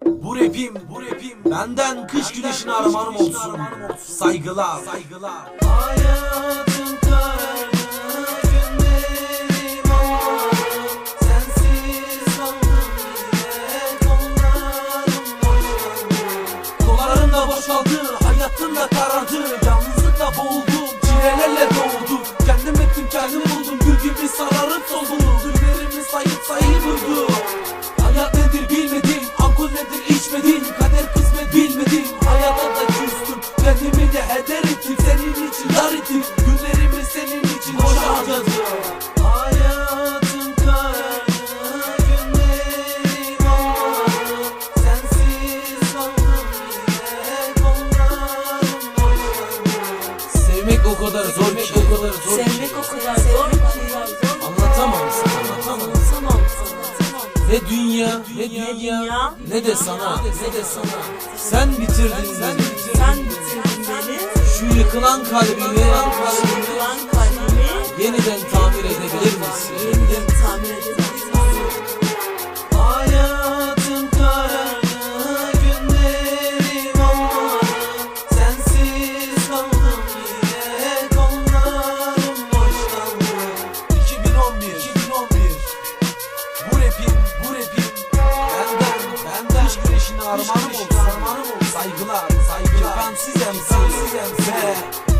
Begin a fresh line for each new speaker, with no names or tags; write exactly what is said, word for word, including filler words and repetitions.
Bu rapim, bu rapim benden kış güneşine armağanım olsun. Saygılar, saygılar.
Hayatım karardı, günlerim ağladı. Sensiz kaldım yine, kollarım boşaldı.
Kollarım da boşaldı, hayatım da karardı. Yalnızlıkla boğuldum, çilelerle doğdum. Kendim ettim, kendim buldum, gül gibi sararıp soldum. Günlerimi sayıp sayıp vurdum. Hayat nedir bilmedim, alkol nedir içmedim. Kader kısmet bilmedim, hayata da küstüm. Kendimi de heder ettim, senin için dar ettim. Günlerimi senin için boşa harcadım.
Hayatım karardı, günlerim ağladı. Sensiz kaldım yine, kollarım boşaldı.
Sevmek o kadar zor ki, o kadar zor ki.
Sevmek o kadar zor ki
Anlatamam sana, anlatamam.
Anlatamam sana.
Ne dünya, ne dünya, ne de sana, ne de sana. Sen bitirdin, sen bitirdin.
Sen bitirdin beni.
Şu yıkılan kalbimi,
Yıkılan kalbimi
yeniden tamir edebilir misin?
yeniden tamir edebilirsin.
Hayatım karardı, günlerim ağladı. Sensiz kaldım yine, kollarım boşaldı.
iki bin on bir, iki bin on bir. Bu rapim, bu rapim benden, benden kış güneşine armağanım olsun. Saygılar, saygılar. Gökhan Sizem'sin ve